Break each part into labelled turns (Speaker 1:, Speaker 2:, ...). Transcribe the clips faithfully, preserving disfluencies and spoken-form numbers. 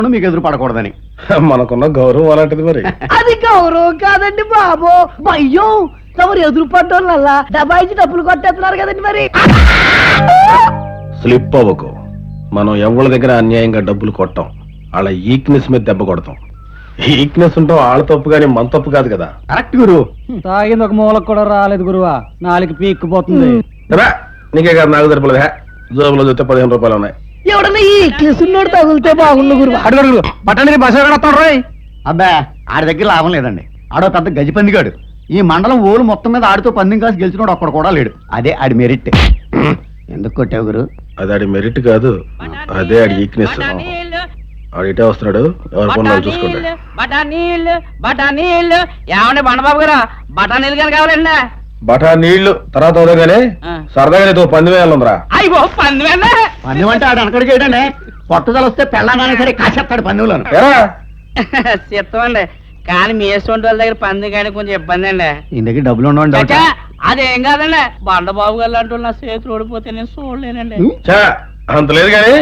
Speaker 1: మీకు ఎదురు పడకూడదని.
Speaker 2: మనకున్న గౌరవం అలాంటిది. మరి
Speaker 3: అది గౌరవం కాదండి బాబు, అయ్యో తమరు ఎదురు పడ్డోళ్ళల్లా డబాయించి డబ్బులు కొట్టేస్తున్నారు కదండి. మరి
Speaker 2: స్లిప్ అవ్వకు. మనం ఎవరి దగ్గర అన్యాయంగా డబ్బులు కొట్టాం, వాళ్ళ ఈక్నెస్ మీద దెబ్బ కొడతాం. ఈక్నెస్ ఉంటాం వాళ్ళ తప్పు కానీ మన తప్పు కాదు కదా.
Speaker 1: కరెక్ట్ గురు.
Speaker 4: తాగింది ఒక మూలకు కూడా రాలేదు గురువా, నాలుగు పీక్కుపోతుంది.
Speaker 2: నీకే కాదు నాకు సరిపోలేదు. జోబులో చూస్తే పదిహేను రూపాయలు ఉన్నాయి.
Speaker 3: ఎవడన్నా ఈ కేసున్నోడు తగులితే బాగుండు గురు.
Speaker 1: అడుగు బట్టని బస రోయ్. అబ్బా ఆడి దగ్గర లాభం లేదండి. ఆడో పెద్ద గజిపందిగాడు. ఈ మండలం ఓలు మొత్తం మీద ఆడితో పందెం కాసి గెలిచినోడు ఒక్కడు కూడా లేడు. అదే ఆడి మెరిట్. ఎందుకు కొట్టావు గురు?
Speaker 2: అది ఆడి మెరిట్ కాదు, అదే ఆడి వీక్నెస్. ఆడు ఇటే వస్తున్నాడు, ఎవరి పనులు చూసుకుంటాడు.
Speaker 5: బఠానీళ్ళు బఠానీళ్ళు ఏమండి బండబాబు గారు, బఠానీళ్ళు కానీ కావాలండి.
Speaker 2: బఠా నీళ్లు తర్వాత అవుతాగానే సరదాగా నీతో పంది వేయాలందరా.
Speaker 5: అయ్యో పంది
Speaker 1: పందెం అంటే ఆడు అనకడికి ఏంటండి, పట్టుదల వస్తే పెళ్ళానని సరే కాసేస్తాడు పందెంలోను.
Speaker 5: చెప్తామండి, కానీ మీ వేసుకుంటే వాళ్ళ దగ్గర పంది కానీ కొంచెం ఇబ్బంది అండి.
Speaker 1: ఈ దగ్గర డబ్బులు ఉండవండి.
Speaker 5: అదేం కాదండి, బండబాబు గారు అంటూ నా చేతులు ఓడిపోతే నేను చూడలేనండి.
Speaker 2: అంత లేదు కానీ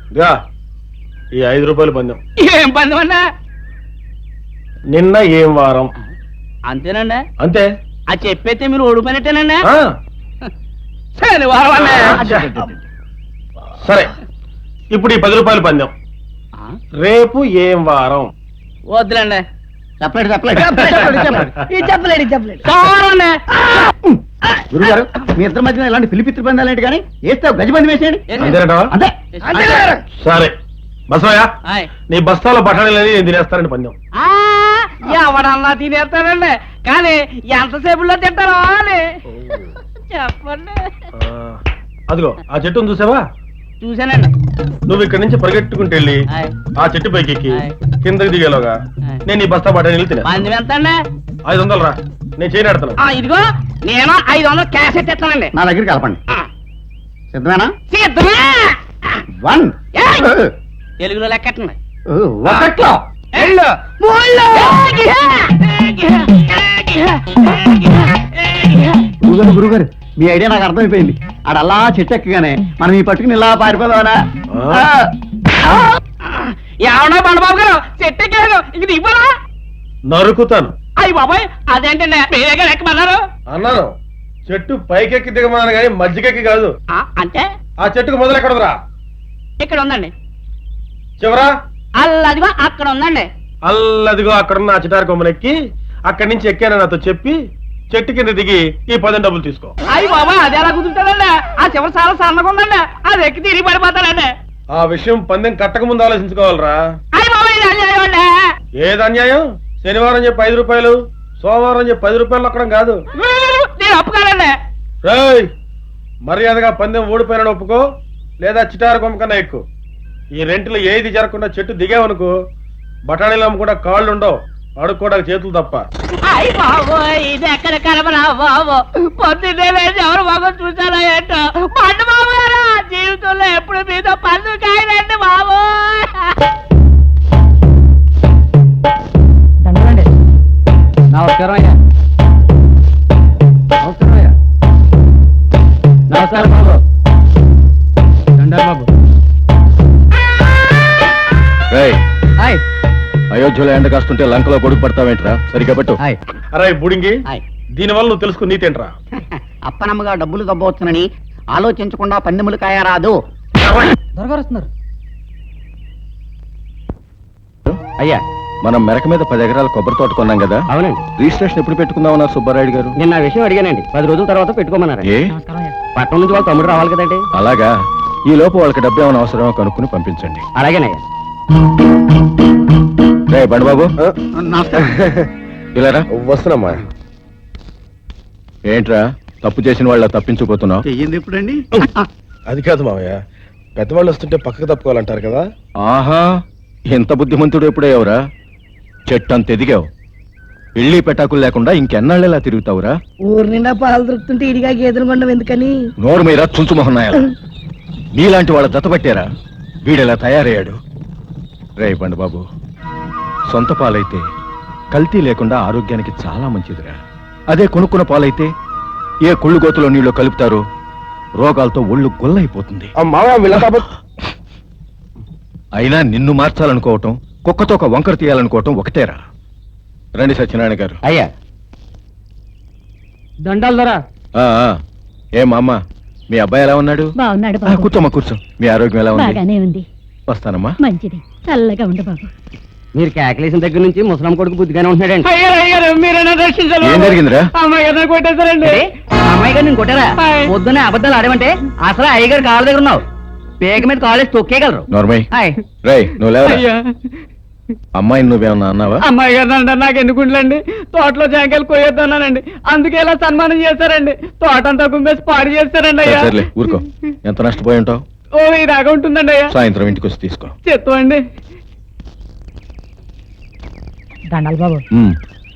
Speaker 2: ఈ ఐదు రూపాయలు పందెం.
Speaker 5: ఏం పందెం అండి?
Speaker 2: నిన్న ఏం వారం
Speaker 5: అంతేనండి.
Speaker 2: అంతే.
Speaker 5: అది చెప్పైతే మీరు ఓడిపోయినట్టేనండి. శనివారం అండి.
Speaker 2: సరే, ఇప్పుడు ఈ పది రూపాయలు పందెం. రేపు ఏం వారం?
Speaker 5: వద్దులండి.
Speaker 1: చెప్పలేడు చెప్పలేడు
Speaker 3: చెప్పలేడు చెప్పలేడు
Speaker 1: గురుగారు, మీ ఇద్దరి మధ్యన ఇలాంటి పిలిపిత్రి పందాలేంటి కానీ వేస్తే గజిబంది వేసేయండి. అంతే.
Speaker 2: సరే బసవయ్య, నీ బస్తాలో బఠానీలని నేను తినేస్తానండి పందెం.
Speaker 5: ఎవడన్నా తినేస్తానండి, కానీ ఎంతసేపులో తింటారో అని చెప్పండి.
Speaker 2: అదిగో ఆ చెట్టును చూసావా?
Speaker 5: చూసానండి.
Speaker 2: నువ్వు ఇక్కడి నుంచి పరిగెట్టుకుంటూ వెళ్ళి ఆ చెట్టు పైకి ఎక్కి కిందకి దిగేలోగా నేను ఈ బస్తా బఠానీలు తినే.
Speaker 5: పందెం ఎంత అండి?
Speaker 2: ఐదు వందలు రా, నేను చేయనాడుతాను.
Speaker 5: ఇదిగో నేను ఐదు వందలు క్యాష్ ఎత్తేస్తానండి.
Speaker 1: నా దగ్గరికి కలపండి. సిద్ధమేనా?
Speaker 5: సిద్ధమే.
Speaker 1: వన్
Speaker 5: తెలుగులో లెక్కట్టండి.
Speaker 1: ఒకట్లో గురుగారు గురుగారు మీ ఐడియా నాకు అర్థమైపోయింది. ఆడ అలా చెట్టు ఎక్కగానే మనం ఈ పట్టుకుని ఇలా పారిపోదామనా?
Speaker 5: ఏమన్నా బండబాబు గారు, చెట్టు ఎక్కారు ఇంక దిగిపోరా.
Speaker 2: నరుకుతాను.
Speaker 5: అయ్యి బాబాయ్, అదేంటండి మీరే గారు ఎక్కమన్నారు?
Speaker 2: అన్నాను చెట్టు పైకెక్కి దిగమన్నాను కానీ మధ్యకెక్కి కాదు.
Speaker 5: అంటే
Speaker 2: ఆ చెట్టుకు మొదలు ఎక్కడదురా?
Speaker 5: ఇక్కడ ఉందండి.
Speaker 2: చివరా?
Speaker 5: అల్లదిగో అక్కడ ఉందండి.
Speaker 2: అల్లదిగో అక్కడున్న ఆ చిటారు కొమ్మనెక్కి అక్కడి నుంచి ఎక్కానని నాతో చెప్పి చెట్టు కింద దిగి ఈ పది డబ్బులు తీసుకో.
Speaker 5: అయ్యి బాబా, అది ఎలా కుదురుతాడండి? ఆ చివరి చాలా సన్నగా ఉందండి, అది ఎక్కి తిరిగి పడిపోతాడండి.
Speaker 2: ఆ విషయం పందెం కట్టక ముందు ఆలోచించుకోవాలరా.
Speaker 5: అయ్యి బాబా, ఇది అన్యాయం అండి.
Speaker 2: ఏది అన్యాయం? శనివారం చెప్పి ఐదు రూపాయలు, సోమవారం చెప్పి పది రూపాయలు అక్కడం కాదు.
Speaker 5: నేను ఒప్పుకోనండి.
Speaker 2: రేయ్, మర్యాదగా పందెం ఓడిపోయిన ఒప్పుకో, లేదా చిటారు కొమ్మ కన్నా ఎక్కువ. ఈ రెంటిలో ఏది జరగకుండా చెట్టు దిగావనుకో బఠానీలు అమ్ముకుండా కాళ్ళు ఉండవు, అడుక్కోవడానికి చేతులు తప్ప.
Speaker 5: అయ్యి బాబు, ఇది ఎక్కడ కలపరా బాబు, పొద్దున్నే లేచి ఎవరు బాబు చూసారా ఏంటో. పండు బాబు గారు జీవితంలో ఎప్పుడు మీతో పండు కాయలండి బాబు.
Speaker 4: నమస్కారం అయ్యా. నమస్కారం అయ్యా. నమస్కారం బాబు. దండాలు బాబు.
Speaker 2: అయోధ్యలో ఎండ కాస్తుంటే లంకలో కొడుకు పడతావేంట్రా? సరిగ్గా పట్టు. అరే బుడింగి, దీనివల్ల నువ్వు తెలుసుకుని నీతేంట్రా?
Speaker 1: అప్పనమ్మగా డబ్బులు దబ్బవచ్చునని ఆలోచించకుండా పందెములు కాయరాదు.
Speaker 4: దొరగారు వస్తున్నారు.
Speaker 2: అయ్యా, మనం మెరక మీద పది ఎకరాల కొబ్బరి తోట కొన్నాం కదా.
Speaker 1: అవునండి.
Speaker 2: రిజిస్ట్రేషన్ ఎప్పుడు పెట్టుకుందామన్నారు సుబ్బారాయుడు గారు?
Speaker 1: నిన్న విషయం అడిగానండి, పది రోజుల తర్వాత పెట్టుకోమన్నారు.
Speaker 2: ఏ
Speaker 1: పట్టణం నుంచి వాళ్ళ తమ్ముడు రావాలి కదండి.
Speaker 2: అలాగా, ఈ లోపు వాళ్ళకి డబ్బు ఏమైనా అవసరమో కనుక్కుని పంపించండి.
Speaker 1: అలాగేనయ్యా.
Speaker 2: రే బండబాబు, ఇలారా. వస్తున్నామా? ఏంట్రా తప్పు చేసిన వాళ్ళ తప్పించుకుపోతున్నావు?
Speaker 1: చెయ్యింది ఇప్పుడండి.
Speaker 2: అది కాదు మావయ్య, పెద్దవాళ్ళు వస్తుంటే పక్కకు తప్పుకోవాలంటారు కదా. ఆహా, ఎంత బుద్ధిమంతుడు ఎప్పుడయ్యావురా? చెట్టంత ఎదిగావు, పెళ్లి పెటాకులు లేకుండా ఇంకెన్నాళ్ళు ఎలా తిరుగుతావురా?
Speaker 3: ఊరు నిండా పాలు దొరుకుతుంటే ఇడిగా గేదెలు కొండం ఎందుకని?
Speaker 2: నోరు మీరా చుంచు మొహన్నాయ. నీలాంటి వాళ్ళ దత్తపట్టారా వీడెలా తయారయ్యాడు? రే బండబాబు, సొంత పాలైతే కల్తీ లేకుండా ఆరోగ్యానికి చాలా మంచిదిరా. అదే కొనుక్కున్న పాలైతే ఏ కుళ్ళు గోతులో నీళ్ళు కలుపుతారో రోగాలతో ఒళ్ళు గొల్లైపోతుంది. అయినా నిన్ను మార్చాలనుకోవటం కుక్కతో ఒక వంకర తీయాలనుకోవటం ఒకటేరా. రండి సత్యనారాయణ గారు.
Speaker 1: అయ్యా
Speaker 4: దండాలు ధర
Speaker 2: ఆ, ఆ. ఏం అమ్మ, మీ అబ్బాయి ఎలా ఉన్నాడు?
Speaker 6: బాగున్నాడు
Speaker 2: ఆ,
Speaker 6: బాబు.
Speaker 2: కూర్చోమ్మా కూర్చో. మీ ఆరోగ్యం ఎలా ఉంది?
Speaker 6: బాగానే ఉంది.
Speaker 2: వస్తానమ్మా.
Speaker 6: మంచిది, చల్లగా ఉండు బాబు.
Speaker 4: మీరు కేకలేసిన దగ్గర నుంచి ముసలం కొడుకు బుద్ధిగానే ఉంటున్నాడండి.
Speaker 5: అయ్యారు అయ్యారు మీరైనా దర్శించాలి
Speaker 2: ఏం జరిగిందిరా?
Speaker 5: అమ్మాయి గారిని కొట్టేశారండి.
Speaker 4: అమ్మాయి గారు నేను కొట్టారా?
Speaker 5: హాయ్.
Speaker 4: పొద్దునే అబద్ధాలు ఆడమంటే అసలు అయ్యగారు కాళ్ళ దగ్గర ఉన్నావు. పేక మీద కాలేజ్ తొక్కేయగలరు.
Speaker 2: నోర్మయ్.
Speaker 4: హాయ్.
Speaker 2: రేయ్ నువ్వు లేవరా.
Speaker 5: అయ్యా
Speaker 2: అమ్మాయిని నువ్వేమన్నా అన్నావా?
Speaker 5: అమ్మాయి గారు అంటే నాకు ఎందుకు ఉండండి, తోటలో జాంకాయలు కొయ్యొద్దన్నానండి, అందుకే ఇలా సన్మానం చేశారండి. తోట అంతా గుమ్మేసి పాడు చేస్తారండి అయ్యా.
Speaker 2: సర్లే ఊరుకో. ఎంత నష్టపోయి ఉంటావు?
Speaker 5: ఓ ఈ దాకా ఉంటుందండి అయ్యా.
Speaker 2: సాయంత్రం ఇంటికి వచ్చి తీసుకో.
Speaker 5: చెత్తమండి.
Speaker 6: దండాలు బాబు.
Speaker 2: ఉమ్.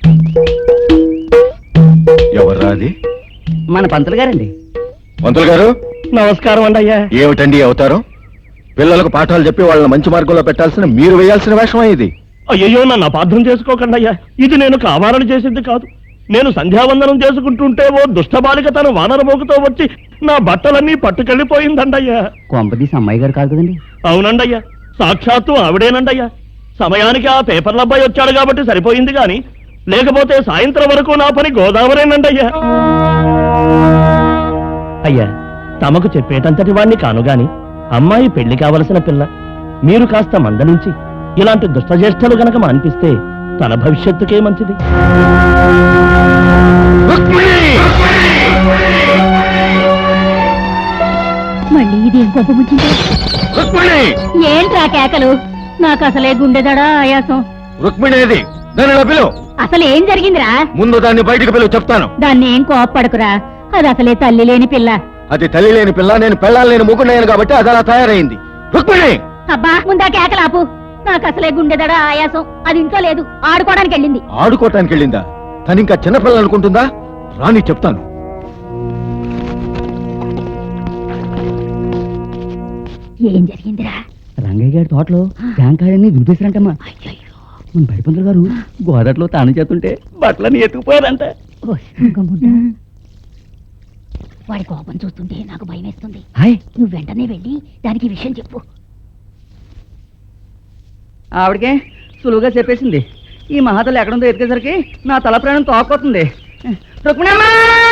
Speaker 2: ఎవర్రా అది?
Speaker 4: మన పంతులు గారండి.
Speaker 2: మంత్రులు గారు
Speaker 5: నమస్కారం అండి అయ్యా.
Speaker 2: ఏమిటండి ఈ అవతారం? పిల్లలకు పాఠాలు చెప్పి వాళ్ళని మంచి మార్గంలో పెట్టాల్సిన మీరు వేయాల్సిన వేషమా ఇది?
Speaker 7: అయ్యో నన్ను అపార్థం చేసుకోకండి అయ్యా, ఇది నేను కావాలని చేసింది కాదు. నేను సంధ్యావందనం చేసుకుంటుంటే ఓ దుష్టబాలిక తన వానరమోగుతో వచ్చి నా బట్టలన్నీ పట్టుకెళ్ళిపోయిందండయ్యా.
Speaker 4: కొంపదీసి అమ్మాయి గారు కాదు కదండి.
Speaker 7: అవునండయ్యా, సాక్షాత్తు ఆవిడేనండయ్యా. సమయానికి ఆ పేపర్ల అబ్బాయి వచ్చాడు కాబట్టి సరిపోయింది గాని లేకపోతే సాయంత్రం వరకు నా పని గోదావరేనండయ్యా. అయ్యా తమకు చెప్పేటంతటి వాణ్ణి కాను గాని అమ్మాయి పెళ్లి కావలసిన పిల్ల. మీరు కాస్త మందలించి ఇలాంటి దుష్టజ్యేష్ఠలు గనక మాన్పిస్తే తన భవిష్యత్తుకే మంచిది.
Speaker 6: మళ్ళీ ఇదేం గొప్ప ముచ్చింది? ఏంట్రా కేకలు? నాకు అసలే గుండెదడా ఆయాసం.
Speaker 2: రుక్మిణేది దానిలో పిలువు.
Speaker 6: అసలు ఏం జరిగిందిరా?
Speaker 2: ముందు దాన్ని బయటికి పిలువు, చెప్తాను.
Speaker 6: దాన్ని ఏం కోప్పడుకురా, అది అసలే తల్లి లేని పిల్ల.
Speaker 2: అది తల్లి లేని పిల్ల, నేను పెళ్ళాలి లేని ముగ్గున్నాను కాబట్టి అది అలా తయారైంది. రుక్మిణి
Speaker 6: అబ్బా ముందా కేకలాపు. నాకు అసలే గుండెదడా ఆయాసం. అది ఇంట్లో లేదు, ఆడుకోవడానికి వెళ్ళింది.
Speaker 2: ఆడుకోవటానికి వెళ్ళిందా? తను ఇంకా చిన్నపిల్ల అనుకుంటుందా? రాని చెప్తాను.
Speaker 6: ఏం జరిగిందిరా?
Speaker 4: రంగయ్య గారి తోటలో జాంకాయలన్నీ దులిపేశారంటమ్మా. మన బడి పంతులు గారు గోదట్లో తాను చేస్తుంటే బట్టలన్నీ ఎత్తుకుపోయారంట.
Speaker 6: ఓ, శృంగముండా. వాడి కోపం చూస్తుంటే నాకు భయం వేస్తుంది.
Speaker 4: హాయ్.
Speaker 6: నువ్వు వెంటనే వెళ్ళి దానికి విషయం చెప్పు.
Speaker 4: ఆవిడకే సులువుగా చెప్పేసింది. ఈ మహాతల్లి ఎక్కడుందో ఎతికేసరికి నా తల ప్రాణం తోకపోతుంది. రుక్మిణమ్మా!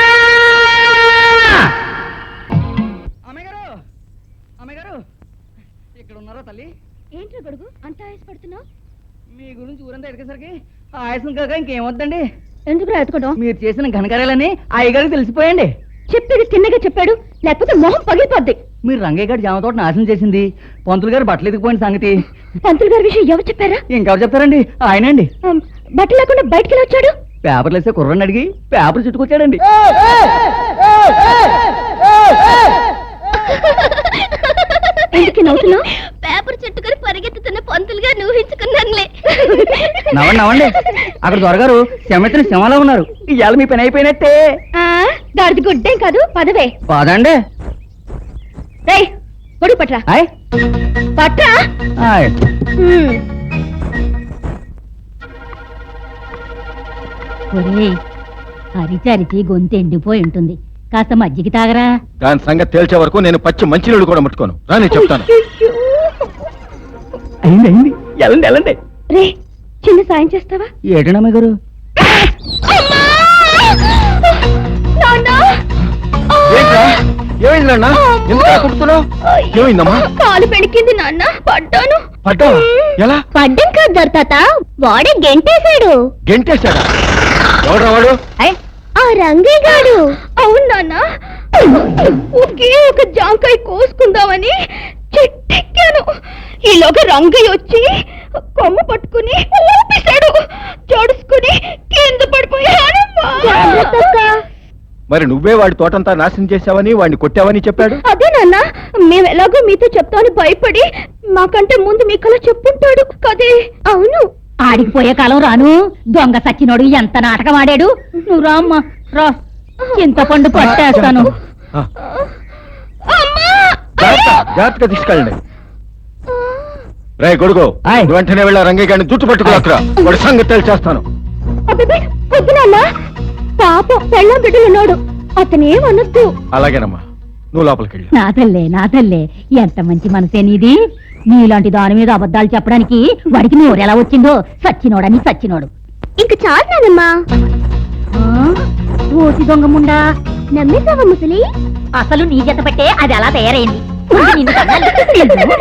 Speaker 4: అమ్మాయి గారు! అమ్మాయి గారు! ఇక్కడ ఉన్నారా తల్లి?
Speaker 6: ఏంట్రా గడుగు అంత ఆయాసపడుతున్నావు?
Speaker 4: మీ గురించి ఊరంతా ఎతికేసరికి ఆయాసం కాక ఇంకేమొద్దండి.
Speaker 6: ఎందుకు రాదుకోవడం?
Speaker 4: మీరు చేసిన ఘనకార్యాలని అయ్యగారికి తెలిసిపోయండి.
Speaker 6: చెప్పేది తిన్నగా చెప్పాడు, లేకపోతే మొహం పగిలిపోద్ది.
Speaker 4: మీరు రంగయ్య గారి జామ తోట నాశనం చేసింది, పంతులు గారు బట్టలు ఎదిగిపోయిన సంగతి
Speaker 6: పంతులు గారి విషయం ఎవరు చెప్పారా?
Speaker 4: ఇంకెవరు చెప్తారండి? ఆయనండి.
Speaker 6: ఆమ్, బట్టలు లేకుండా బయటికి వెళ్ళి వచ్చాడు.
Speaker 4: పేపర్లు వేసే కుర్రని అడిగి పేపర్ చుట్టుకొచ్చాడండి.
Speaker 6: ఎందుకు నవ్వుతున్నావు? పేపర్ చుట్టుకొని పరిగెత్తుతున్న పంతులు గారు ఊహించుకున్నానులే.
Speaker 4: నవ్వండి నవ్వండి. అక్కడ దొరగారు శమెత్తిన శమలో ఉన్నారు. ఇవాళ మీ పని అయిపోయినట్టే.
Speaker 6: దాడిది గుడ్డేం కాదు, పదవే.
Speaker 4: పదండి.
Speaker 6: రేయ్ గొడుగు పట్రా.
Speaker 4: హాయ్
Speaker 6: పట్రా.
Speaker 4: హాయ్.
Speaker 6: హ్మ్. ఒరేయ్, అరిచి అరిచి గొంతు ఎండిపోయి ఉంటుంది, కాస్త మజ్జిగ తాగరా.
Speaker 2: దాని సంగతి తేల్చే వరకు నేను పచ్చి మంచినీళ్ళు కూడా ముట్టుకోను. రాని చెప్తాను.
Speaker 4: అయింది అయింది. ఎలాండి ఎలాండి.
Speaker 6: రే చిన్న సాయం చేస్తావా?
Speaker 4: ఏటండి అమ్మాయి గారు?
Speaker 2: ఏంట్రా? ఏమైంది నాన్న? ఎందుకు అలా కుడుతున్నావ్? ఏమైందమ్మా?
Speaker 6: కాలు పెణికింది నాన్న, పడ్డాను.
Speaker 2: పడ్డావా? ఎలా?
Speaker 6: పడ్డం కాదు దొరతాత, వాడే గెంటేశాడు.
Speaker 2: గెంటేశాడా? ఎవడ్రా వాడు?
Speaker 6: ఆ రంగయ్య గాడు. అవును నాన్న, ఒకే ఒక జాంకాయ కోసుకుందామని చెట్టెక్కాను. ఈలోగా రంగయ్య వచ్చి కొమ్మ పట్టుకుని ఊపిశాడు. జడుసుకుని కింద పడిపోయాను.
Speaker 2: మరి నువ్వే వాడి తోటంతా నాశనం చేశావని వాడిని కొట్టావని చెప్పాడు.
Speaker 6: అదే నాన్న, మేము ఎలాగో మీతో చెప్తాను భయపడి మాకంటే ముందు మీకలా చెప్పుంటాడు కదే. అవును, ఆడికిపోయే కాలం రాను. దొంగ సచ్చినోడు ఎంత నాటకం ఆడాడు. నువ్వు రామ్మా రా, చింతపండు పట్టేస్తాను.
Speaker 2: ఆ. జాగ్రత్త, జాగ్రత్తగా తీసుకెళ్ళండి. రే గొడుగు,
Speaker 4: ఆయ్.
Speaker 2: నువ్వు వెంటనే వెళ్ళా రంగయ్య గారిని జుట్టు పట్టుకురా. వాడి సంగతి తెలిచేస్తాను.
Speaker 6: పొద్దునన్నా పాపం పెళ్ళం బిడ్డలున్నాడు, అతనేమనొద్దు.
Speaker 2: అలాగేనమ్మా. నువ్వు లోపలికి వెళ్ళు.
Speaker 6: నా తల్లే నా తల్లే ఎంత మంచి మనసే నీది. నీలాంటి దాని మీద అబద్ధాలు చెప్పడానికి వాడికి నోరు ఎలా వచ్చిందో. సచ్చినోడని సచ్చినోడు.
Speaker 8: ఇంక చాలు నానమ్మా.
Speaker 6: ఓసి దొంగ ముండా,
Speaker 8: నమ్మేశావా ముసలి?
Speaker 6: అసలు నీ జత పెట్టే అది అలా తయారైంది. నిన్ను తన్నాలి.